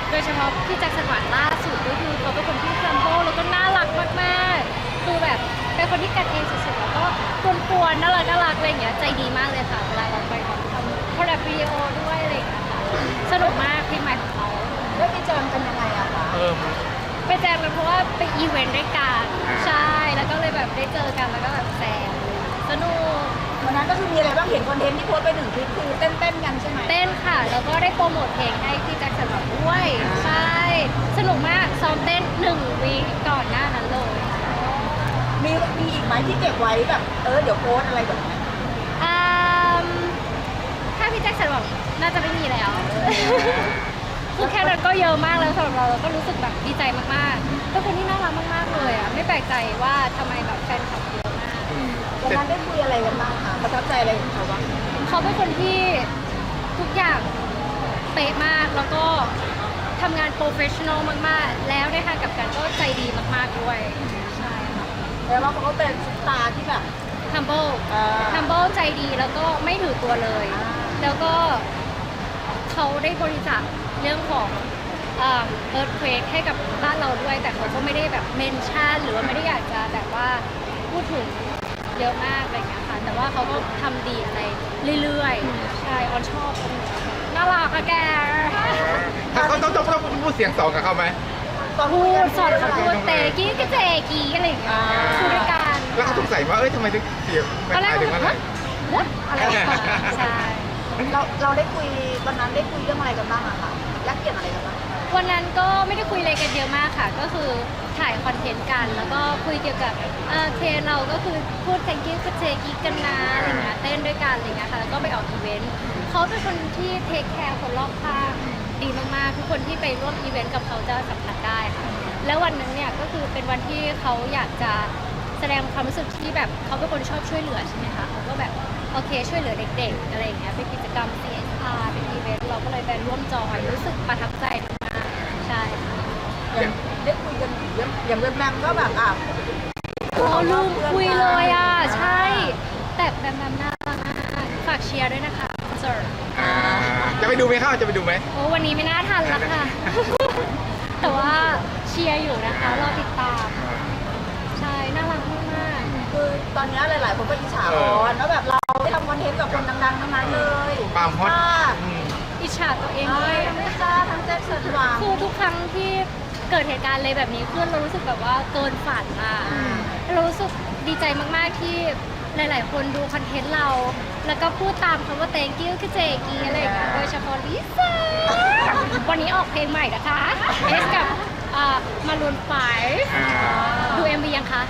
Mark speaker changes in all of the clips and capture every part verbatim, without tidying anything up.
Speaker 1: โดยเฉพาะพี่แจ็คสันหวังล่าสุดก็คือเขาเป็นคนที่แซมโบแล้วก็น่ารักมากๆคือแบบเป็นคนที่กันเองสุดๆแล้วก็กวนๆน่ารักน่ารักอะไรอย่างเงี้ยใจดีมากเลยค่ะเวลาเราไปแบบทำคอลแลบวิดีโอด้วยอะไรอย่างเงี้ยค่ะสนุกมากเพลงใหม่ของเขา
Speaker 2: แล้วไปเจอกันยังไงอะคะ
Speaker 3: เออ
Speaker 1: ไปแจมกันเพราะว่าไปอีเวนต์ด้วยกันใช่แล้วก็เลยแบบได้เจอกันแล้วก็แบบแซมสนุก
Speaker 2: วันนั้นก็คือมีอะไรบ้างเห็นคอนเทนต์ที่โพสต์ไปหนึ่งคลิปคือเต้นๆกันใช่ไหม
Speaker 1: เต้นค่ะ แล้วก็ได้โปรโมทเพลงให้พี่แจ็คสันหวังด้วยใช่สนุกมากซ้อมเต้นหนึ่งวีคก่อนหน้านั้นเลย
Speaker 2: มีมีอีกไหมที่เก็บไว้แบบเออเดี๋ยวโพสต์อะไรแบบนี้
Speaker 1: อืมถ้าพี่แจ็คสันหวังน่าจะไม่มีแล้ว คือแค่นั้นก็เยอะมากแล้วสำหรับเราเราก็รู้สึกแบบดีใจมากๆเป็นคนที่น่ารักมากๆเลยอ่ะไม่แปลกใจว่าทำไมแบบแฟนคลับเยอะมาก
Speaker 3: อืม
Speaker 2: วันนั้นได้คุยอะไรกันบ้างคะประทับใจอะไรของเขาบ้าง
Speaker 1: เขาเป็นคนที่ทุกอย่างเป๊ะมากแล้วก็ทำงานโปรเฟชชั่นอลมากๆ แล้วในทางกลับกันก็ใจดีมากๆด้วยใช่ค่ะ
Speaker 2: แล้วว่าเขาเป็นซุปตาร์ที่แบบ
Speaker 1: humble
Speaker 2: อ่า
Speaker 1: humble ใจดีแล้วก็ไม่ถือตัวเลย
Speaker 2: อ่า
Speaker 1: แล้วก็เขาได้บริจาคเรื่องของเอ่อ earthquake ให้กับบ้านเราด้วย แต่เขาก็ไม่ได้แบบเมนชั่นหรือว่าไม่ได้อยากจะแบบว่าพูดถึงเยอะมากอะไรอย่างเงี้ยค่ะ แต่ว่าเขาก็ทำดีอะไรเรื่อยๆ ใช่ออนชอบคนนี้น่ารักอะแก
Speaker 3: ถ้าเขาต้องต้องต้องพูดเสียงสองกับเขาไหม
Speaker 2: ตอน
Speaker 1: พู
Speaker 2: คุยกั
Speaker 1: ดสอนเขาพูดเตะกี้ก็เตะกี้อะไรอย่างเงี้ยพูดด้วยกัน
Speaker 3: แล้วเขาสงสัยว่าเอ้ยทำไมถึงเสียงไม่
Speaker 1: ตอนแรก
Speaker 3: หมายถึงว่าอะไร
Speaker 1: ว่าอะไรอย่างเงี้ยใช่
Speaker 2: เราเราได้คุยวันนั้นได้คุยเรื่องอะไรกันบ้างอะคะแลกเปลี่ยนอะไรกันบ้าง
Speaker 1: วันนั้นก็ไม่ได้คุยอะไรกันเยอะมากค่ะ ก็คือถ่ายคอนเทนต์กัน แล้วก็คุยเกี่ยวกับเอ่อเทรนเราก็คือพูด thank you คือเทกิกันนะอะไรเงี้ยเต้นด้วยกันอะไรเงี้ยค่ะ แล้วก็ไปออกอีเวนต์เขาเป็นคนที่เทคแคร์คนรอบข้างดีมากๆทุกคนที่ไปร่วมอีเวนต์กับเขาจะสัมผัสได้ค่ะ แล้ววันนั้นเนี่ยก็คือเป็นวันที่เขาอยากจะแสดงความรู้สึกที่แบบเขาเป็นคนชอบช่วยเหลือใช่ไหมคะเขาก็แบบโอเคช่วยเหลือเด็กๆอะไรอย่างเงี้ยเป็นกิจกรรม ซี เอส อาร์ เป็นอีเวนต์เราก็เลยไปร่วมจอยรู้สึกประทับใจมากๆใช่ค่ะ
Speaker 2: อย่างได้คุยกันเรื่องอย่างเว็บแบมก็แบบอ่ะ
Speaker 1: โอ้ลืมคุยเลยอ่ะ ใช่ แต่แบมแบมน่ารักมากฝากเชียร์ด้วยนะคะคอนเสิร์ต
Speaker 3: อ่าจะไปดูไหมเข้าจะไปดูไหม
Speaker 1: โอ้วันนี้ไม่น่าทันแล้วค่ะ แต่ว่าเชียร์อยู่นะคะรอติดตาม ใช่น่ารักมาก
Speaker 2: คือตอนนี้หลาย ๆ คนก็อิจฉาออนว่าแบบเราได้ทำคอนเทนต์กับคนดัง ๆ ทั้งนั้นเลย
Speaker 3: ความฮอต
Speaker 2: ค่ะ
Speaker 3: อืม
Speaker 1: ๆอิจฉาตัวเอง
Speaker 2: เอ้
Speaker 1: ด้วย ย
Speaker 2: ไม่กล้าทั้งแจ็คสันหวัง
Speaker 1: คือทุกครั้งที่เกิดเหตุการณ์อะไรแบบนี้ขึ้นเรารู้สึกแบบว่าเกินฝันอ่ะ
Speaker 2: อืม
Speaker 1: เรารู้สึกดีใจมากๆที่หลาย ๆ คนดูคอนเทนต์เรา แล้วก็พูดตามคำว่า thank you คือเจกีอะไรอย่างเงี้ยโดยเฉพาะลิซ่าวันนี้ออกเพลงใหม่นะคะเอสกับมารุนไฟ
Speaker 3: อ่า
Speaker 1: ดู เอ็ม วี ยังคะ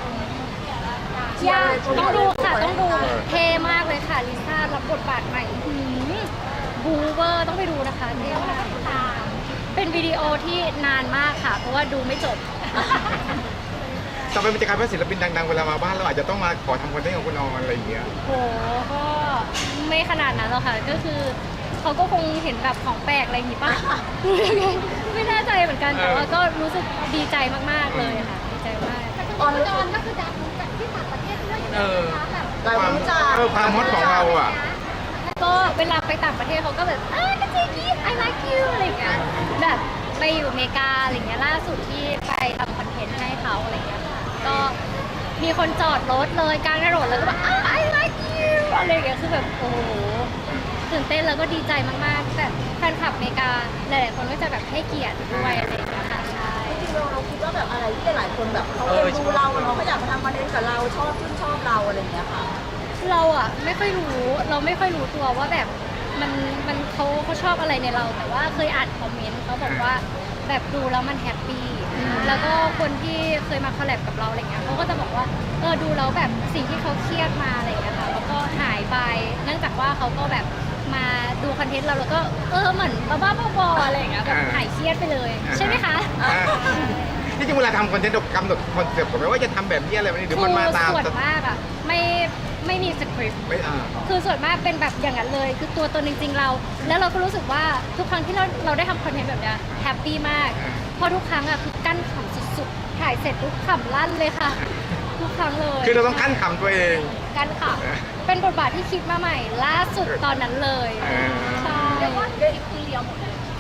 Speaker 1: ยังต้องดูค่ะต้องดูเท่มากเลยค่ะลิซ่ารับบทบาทใหม่หืมบูเวอร์ต้องไปดูนะคะเท่มากเป็นวิดีโอที่นานมากค่ะ เพราะว่าดูไม่จบ
Speaker 3: ต่อไปมันจะกลายเป็นศิลปินดังๆเวลามาบ้านเราอาจจะต้องมาขอทำคอนเทนต์ของคุณออนอะไรอย่างเงี้ย
Speaker 1: โหก็ไม่ขนาดนั้นหรอกค่ะ ก็คือเขาก็คงเห็นแบบของแปลกอะไรอย่างงี้ป่ะ ไม่แน่ใจเหมือนกัน แต่ว่าก็รู้สึกดีใจมากๆเลยค่ะ ดีใจมาก
Speaker 2: ออนรู้สึก
Speaker 1: ก็คือดังจากที่ต่างประเทศด้วย
Speaker 3: เออ
Speaker 2: เรา
Speaker 3: ความ
Speaker 2: รู้จัก
Speaker 3: เออความฮอตของเราอ่ะ
Speaker 1: ก็เวลาไปต่างประเทศเขาก็แบบอ่าก็เจกี้ I like you อะไรอย่างเงี้ย แบบไปอยู่อเมริกาอะไรอย่างเงี้ย ล่าสุดที่ไปทำคอนเทนต์ให้เขาอะไรอย่างเงี้ยค่ะ ก็มีคนจอดรถเลยกลางถนนแล้วก็แบบอ่า I like you อะไรอย่างเงี้ย คือแบบโอ้โห ตื่นเต้นแล้วก็ดีใจมากๆ แต่แฟนคลับอเมริกาหลายๆคนก็จะแบบให้เกียรติด้วยอะไรอย่างเงี้ยค่ะใช่
Speaker 2: จริงๆเราเราคิดว่าแบบอะไรที่หลายๆคนแบบเขาเอ็นดูเราเขาก็อยากมาทำคอนเทนต์กับเราชอบชื่นชอบเราอะไรอย่างเงี้ยค่ะ
Speaker 1: เราอะไม่ค่อยรู้เราไม่ค่อยรู้ตัวว่าแบบมันมันเขาเขาชอบอะไรในเรา แต่ว่าเคยอ่านคอมเมนต์เขาบอกว่าแบบดูแล้วมันแฮปปี้แล้วก็คนที่เคยมาคอลแลบกับเราอะไรเงี้ยเขาก็จะบอกว่าเออดูแล้วแบบสิ่งที่เขาเครียดมาอะไรเงี้ยค่ะแล้วก็หายไปเนื่องจากว่าเขาก็แบบมาดูคอนเทนต์เราแล้วก็เออเหมือนบ้าๆบอๆอะไรอย่างเงี้ยแบบหายเครียดไปเลย ใช่ไหมคะ
Speaker 3: อ่าที่จริงเวลาทำคอนเทนต์เรากำหนดคอนเซ็ปต์ก่อนไหมว่าจะทำแบบนี้อะไรแบบนี้หรือมันมาตาม
Speaker 1: คือส่วนมากอะไม่ไม่มีสคริปต์
Speaker 3: ไม่อ่า
Speaker 1: คือส่วนมากเป็นแบบอย่างนั้นเลย คือตัวตนจริงๆเรา แล้วเราก็รู้สึกว่าทุกครั้งที่เราเราได้ทำคอนเทนต์แบบเนี้ยแฮปปี้มาก
Speaker 3: อ่า
Speaker 1: เพราะทุกครั้งอะคือกั้นขำสุดๆ ถ่ายเสร็จทุกขำลั่นเลยค่ะ ทุกครั้งเลย
Speaker 3: คือเราต้องขั้นขำตัวเอง
Speaker 1: กั้นข
Speaker 3: เออ
Speaker 1: ำเป็นบทบาทที่คิดมาใหม่ ล่าสุดตอนนั้นเลย
Speaker 3: อ่า
Speaker 1: ใช่
Speaker 2: เรียกว่าได้
Speaker 1: ทุ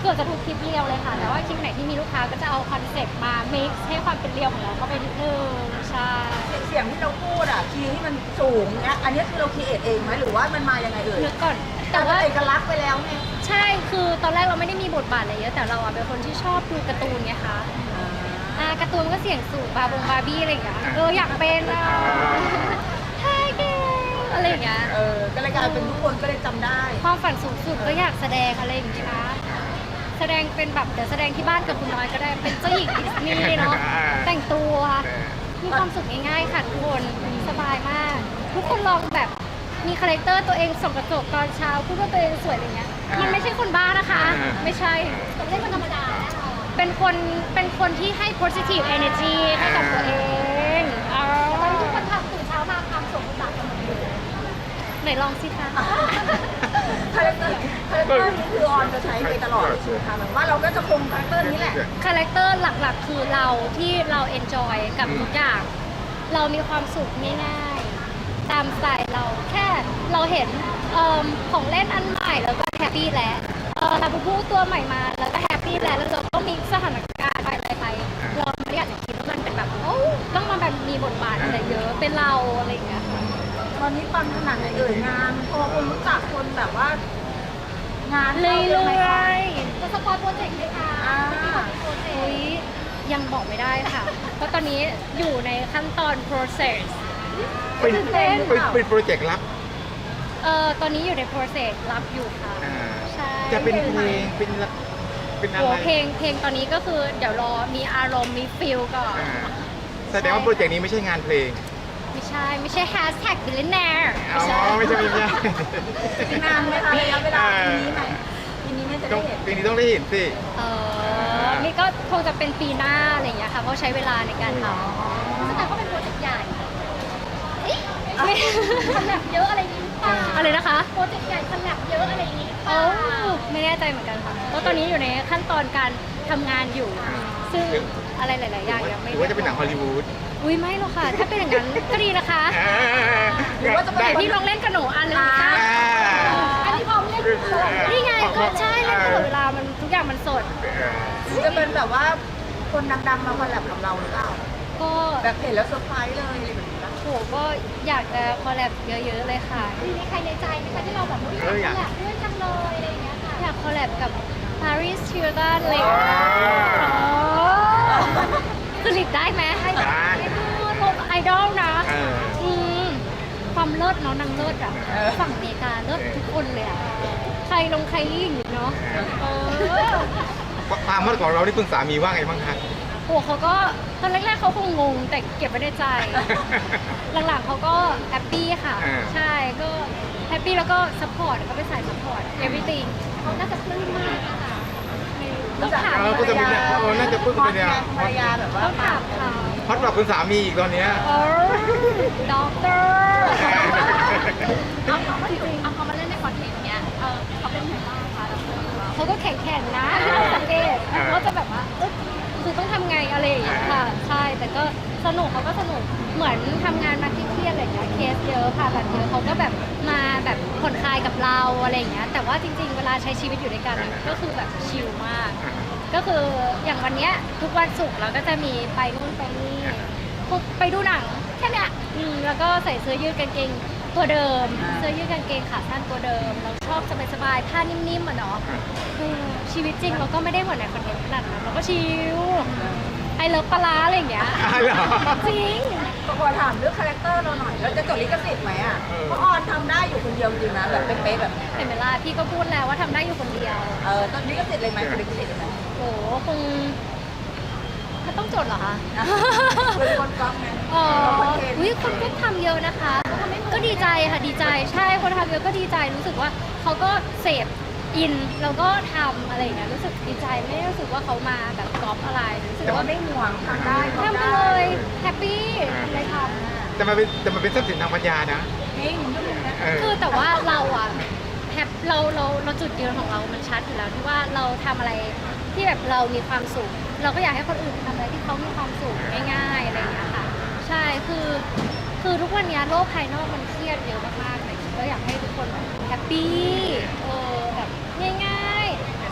Speaker 1: เกือบจะทุกคลิปเรียวเลยค่ะ แต่ว่าคลิปไหนที่มีลูกค้าก็จะเอาคอนเซ็ปต์มา mix ให้ความเป็นเรียวของเราเข้าไปนิดนึงใช่
Speaker 2: เสียงที่เราพูดอ่ะคีย์ที่มันสูงเนี่ยอันนี้คือเราคีเอทเองไหมหรือว่ามันมายังไงเอ่ย
Speaker 1: นึกก่อน
Speaker 2: แต่
Speaker 1: แต่
Speaker 2: ว่า
Speaker 1: ว่า
Speaker 2: เอกลักษณ์ไปแล้วไง
Speaker 1: ใช่ คือตอนแรกเราไม่ได้มีบทบาทอะไรเยอะ แต่เราอะเป็นคนที่ชอบดูการ์ตูนไงคะอ่าการ์ตูนก็เสียงสูงบาบงบาร์บี้อะไรอย่างเงี้ย เอออยากเป็นอ่ะใช่เก่งอะไรอย่างเงี้ย
Speaker 2: เออก็เลยกลายเป็นทุกคนก็เลยจำได้
Speaker 1: ความฝันสูงสุดก็อยากแสดงอะไรอย่างเงี้ยนะ แสดงเป็นแบบเดี๋ยวแสดงที่บ้านกับคุณน้อยก็ได้ เป็นเจ้าหญิงดิสนีย์เนาะ แต่งตัวมีความสุขง่ายๆค่ะทุกคน สบายมาก ทุกคนลองแบบมีคาแรคเตอร์ตัวเองส่องกระจกตอนเช้าพูดว่าตัวเองสวยอะไรเงี้ย มันไม่ใช่คนบ้านะคะ ไม่ใช่เล่นคนธรรมดา เป็นคน เป็นคนที่ให้ positive energy ให้กับตัวเองอ๋อทุกคนทำตื่นเช้ามาทำสมบูรณ์แบบกันหมดเลยไหนลองสิคะ
Speaker 2: คาแรคเตอร์คาแรคเตอร์นี้คือออนจะใช้ไปตลอดใช่ไหมคะแบบว่าเราก็จะคงคาแรคเตอร์นี้แหละ
Speaker 1: คาแรคเตอร์หลักๆ คือเราที่เราเอนจอยกับทุกอย่าง เรามีความสุขง่ายๆ ตามสไตล์เราแค่เราเห็นเอิ่มของเล่นอันใหม่แล้วก็แฮปปี้แล้วเออลาบูบูตัวใหม่มาแล้วก็แฮปปี้แล้วแล้วเราก็มีสถานการณ์ไปอะไรไปเราไม่ได้อยากจะคิดว่ามันเป็นแบบโอ้ต้องมาแบบมีบทบาทอะไรเยอะเป็นเราอะไรอย่างเงี้ยค่ะ
Speaker 2: ตอนนี้ปังขนาดไหนเอ่ยงานพอคนรู้จักคนแบบว่า งาน
Speaker 1: เรื่
Speaker 2: เข้าเยอะไหม
Speaker 1: อ
Speaker 2: คะ
Speaker 1: ยๆจะสปอยโปรเจกต์ไหมคะ
Speaker 2: อ่า
Speaker 1: อุ้ยยังบอกไม่ได้ค่ะ เพราะตอนนี้อยู่ในขั้นตอน process
Speaker 3: เป็น
Speaker 1: ตื่นเต้น
Speaker 3: เป็นเป็นโปรเจกต์ลับ
Speaker 1: เอ่อตอนนี้อยู่ใน process รับอยู่ค่ะ
Speaker 3: อ่า
Speaker 1: ใช่
Speaker 3: จะเป็นเพลงเป็นละเป็นอะ
Speaker 1: โอ้
Speaker 3: ไร
Speaker 1: เพลงเพลงตอนนี้ก็คือเดี๋ยวรอมีอารมณ์มีฟิลก่อน
Speaker 3: อ่าแสดงว่าโปรเจกต์นี้ไม่ใช่งานเพลง
Speaker 1: ไม่ใช่ ไม่ใช่ hashtag billionaire
Speaker 3: อ๋อไม่ใช่ไม่ใช่
Speaker 2: อีกนานไหมคะระยะเวลาปีนี้ไหมปีนี้น่าจะ
Speaker 3: ต้
Speaker 2: ได้
Speaker 3: อง
Speaker 2: เห็น
Speaker 3: ปีนี้ต้องได้เห็นสิ
Speaker 1: เออนี่ก็คงจะเป็นปีหน้าอะไรอย่างเงี้ยค่ะ เพราะใช้เวลาในการทำแสดงว่าเป็นโปรเจกต์ใหญ่ขนาดเยอะอะไรนี้อะไรนะคะ โปรเจกต์ใหญ่ขนาดเยอะอะไรนี้โอ้ไม่แน่ใจเหมือนกันค่ะ เพราะตอนนี้อยู่ในขั้นตอนการทำงานอยู่ ซึ่งอะไรหลาย ๆ อย่างยัง
Speaker 3: ห
Speaker 1: ไม่
Speaker 3: รือว่าจะเป็นหนังฮอลลีวูด
Speaker 1: อุ้ยไม่หรอกค่ะ ถ้าเป็นอย่างนั้นก็ดีนะคะ
Speaker 2: หรือว่าจะเป็น
Speaker 1: แต่ที่ลองเล่นกับหนูอันนึงค่ะ
Speaker 3: อ่า
Speaker 1: อันนี้พร้อมเล่นนี่ไงก็ใช่เล่นตลอดเวลามันทุกอย่างมันสด
Speaker 2: จะเป็นแบบว่าคนดังๆมาคอลแลบกับเราหรือเปล่า
Speaker 1: ก็
Speaker 2: แบบเห็นแล้วเซอร์ไพรส์เลยอะไรแบบนี้ปะ
Speaker 1: โหก็อยากจะคอลแลบเยอะ ๆ เลยค่ะมีใครในใจไหมคะที่เราแบบอยากคอลแลบด้วยจังเลยอะไรอย่างเงี้ยค่ะอยากคอลแลบกับ Paris Hilton เลยสลิดได้ไหมให้แบบให้พูดพวกไอดอลนะ
Speaker 3: เออ
Speaker 1: อืมความเลิศเนาะนางเลิศอ่ะฝั่งอเมริกาเลิศทุกคนเลยอ่ะใครลงใครยิ่งอยู่เนาะเออ
Speaker 3: ความเมื่อก่อนเราได้พึ่งสามีว่าไงบ้างคะ
Speaker 1: โอ้เขาก็ตอนแรกๆเขาคงงงแต่เก็บไว้ในใจ หลังๆเขาก็แฮปปี้ค่ะ
Speaker 3: อ่า
Speaker 1: ใช่ก็แฮปปี้แล้วก็ซัพพอร์ตก็เป็นสายซัพพอร์ต everything เขาน่าจะปลื้มมากนะคะต้องถาม
Speaker 3: เออก็จะมีเนี่ยเออน่าจะพึ่ง
Speaker 2: ฮอ
Speaker 3: ไป
Speaker 2: ต
Speaker 3: เนี่ย
Speaker 2: ไงภรรยาแบบว่า
Speaker 1: ต้องถามเขา
Speaker 3: ฮอตกว่าคุณสามีอีกตอนเนี้ย
Speaker 1: เออด็อกเตอร์
Speaker 4: เอาเขามาถึงเอาเขามาเล่นในคอนเทนต์เนี้ย เออเขาเป็นไงบ้างคะดับเบิลของเรา
Speaker 1: เขาก็แข็งๆนะที่เราสังเกตเขาก็จะแบบว่าเอ๊ะคือต้องทำไงอะไรอย่างเงี้ยค่ะ ใช่แต่ก็สนุกเขาก็สนุกเหมือนทำงานมาเครียดๆอะไรอย่างเงี้ยเคสเยอะผ่าตัดเยอะเขาก็แบบมาแบบผ่อนคลายกับเราอะไรอย่างเงี้ยแต่ว่าจริง ๆ เวลาใช้ชีวิตอยู่ด้วยกันก็คือแบบชิลมาก ก็คืออย่างวันเนี้ยทุกวันศุกร์เราก็จะมีไปนู่นไปนี่พวกไปดูหนังแค่เนี้ยอืมแล้วก็ใส่เสื้อยืดกางเกงตัวเดิม เสื้อยืดกางเกงขาสั้นตัวเดิม เราชอบสบายๆผ้านิ่มๆอ่ะเนาะคือชีวิตจริงเราก็ไม่ได้เหมือนในคอนเทนต์ขนาดนั้นเราก็ชิลไอเลิฟปลาร้าอะไรอย่างเงี้ย
Speaker 3: อ้าวเหรอ
Speaker 1: จริง
Speaker 2: ขอถามเรื่องคาแรคเตอร์เราหน่อยเราจะจดลิขสิทธิ์ไหมอ่ะ
Speaker 3: เออ
Speaker 2: เพราะออนทำได้อยู่คนเดียวจริงๆนะแบบเป๊ะๆแบบเนี้ย
Speaker 1: เห็นไหมล่ะพี่ก็พูดแล้วว่าทำได้อยู่คนเดียว
Speaker 2: เออตอนลิขสิทธิ์เลยไหมลิขสิทธิ์เลยไหม
Speaker 1: โอ้คงถ้าต้องจดเหรอคะ
Speaker 2: เป็นคนกล้องไง
Speaker 1: อ๋อ
Speaker 2: คอนเทนต์
Speaker 1: วิคนก็ทำเยอะนะคะ ก็ดีใจค่ะดีใจ ใช่ คนทำเยอะก็ดีใจ รู้สึกว่าเขาก็เสพอิน แล้วก็ทำอะไรอย่างเงี้ย รู้สึกดีใจ ไม่ได้รู้สึกว่าเขามาแบบก๊อปอะไร รู้สึก
Speaker 2: แต่ว่า
Speaker 1: ว่า
Speaker 2: ไม่ห่วงทำได้
Speaker 1: ทำไปเลยแฮปปี้เลยท
Speaker 3: แต่มันเป็นแต่มันเป็นทรัพย์สินทางปัญญานะ
Speaker 2: นี่หนุ่มก็หนุ่มนะ
Speaker 3: เออ
Speaker 1: ำคือแต่ว่าเราอะแฮปเราเราเราจุดยืนของเรา มันชัดอยู่แล้วที่ว่าเราทำอะไรที่แบบเรามีความสุข เราก็อยากให้คนอื่นทำอะไรที่เขามีความสุขง่ายๆอะไรอย่างเงี้ยค่ะ ใช่ คือ คือทุกวันนี้โลกภายนอกมันเครียดเยอะมากๆเลยก็อยากให้ทุกคนแบบแฮปปี้เออแบบง่ายๆ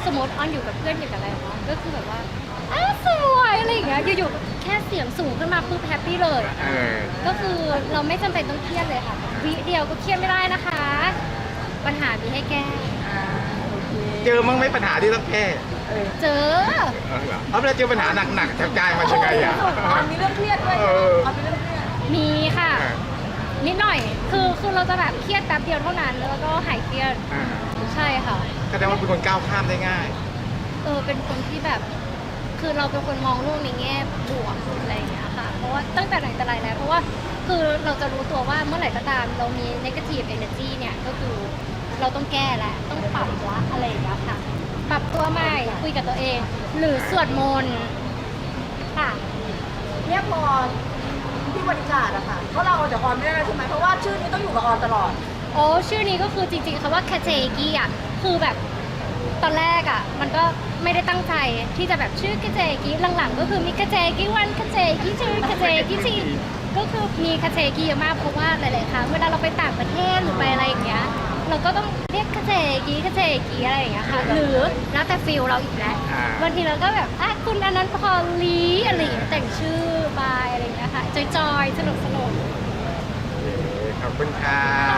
Speaker 1: สมมติออนอยู่กับเพื่อนอยู่กับอะไรเนาะก็คือแบบว่าอ้าสวยอะไรอย่างเงี้ยอยู่ๆแค่เสียงสูงขึ้นมาปุ๊บแฮปปี้เลย
Speaker 3: เออ
Speaker 1: ก็คือเราไม่จำเป็นต้องเครียดเลยค่ะวิเดียวก็เครียดไม่ได้นะคะ ปัญหามีให้แก้
Speaker 2: อ่าโอเค
Speaker 3: เจอมั้งไหมปัญหาที่ต้องแก้
Speaker 2: เออ
Speaker 1: เจอ
Speaker 3: เออเหรอเอาเวลาเจอปัญหาหนักๆแทบใจมันยังไงอ่ะ
Speaker 2: ออนมีเรื่องเครียดด้วย
Speaker 3: เอ
Speaker 2: ใช่ไหม
Speaker 3: อ
Speaker 2: ออนมีเรื่องเครียด
Speaker 1: มีค่ะ
Speaker 3: เออ
Speaker 1: นิดหน่อย คือคือเราจะแบบเครียดแป๊บเดียวเท่านั้น แล้วก็หายเครียด
Speaker 3: อ่า
Speaker 1: ใช่ค่ะ
Speaker 3: แสดงว่าเป็นคนก้าวข้ามได้ง่าย
Speaker 1: เออ เป็นคนที่แบบ คือเราเป็นคนมองโลกในแง่บวกอะไรอย่างเงี้ยค่ะ เพราะว่าตั้งแต่ไหนแต่ไรแล้ว เพราะว่าคือเราจะรู้ตัวว่าเมื่อไหร่ก็ตามเรามี negative energy เนี่ยก็คือเราต้องแก้แหละ ต้องปรับละอะไรอย่างเงี้ยค่ะ ปรับตัวใหม่ คุยกับตัวเอง หรือสวดมนต์ค่ะ
Speaker 2: เนี่ยพอที่บริการอะค่ะเพราะเราเอาจากออนไม่ได้แล้วใช่ไหมเพราะว่าชื่อนี้ต้องอยู่กับออนตลอด
Speaker 1: โอ้ชื่อนี้ก็คือจริงๆคำว่าคาเจกิอ่ะคือแบบตอนแรกอ่ะมันก็ไม่ได้ตั้งใจที่จะแบบชื่อคาเจกิหลังๆก็คือมีคาเจกิวันคาเจกิชื่อคาเจกิทีก็คือมีคาเจกิเยอะมากเพราะว่าหลายๆครั้งเวลาเราไปต่างประเทศหรือไปอะไรอย่างเงี้ยเราก็ต้องเรียกคาเจกิคาเจกิอะไรอย่างเงี้ยค่ะหรือแล้วแต่ฟิลเราอีกแล้ว
Speaker 3: อ่า
Speaker 1: บางทีเราก็แบบอ่ะคุณอนันต์พรลีอะไรอย่างเงี้ยแต่งชื่อบายอะไรอย่างเงี้ยค่ะจอยๆสนุกๆ
Speaker 3: ขอบคุณค่ะ
Speaker 1: ข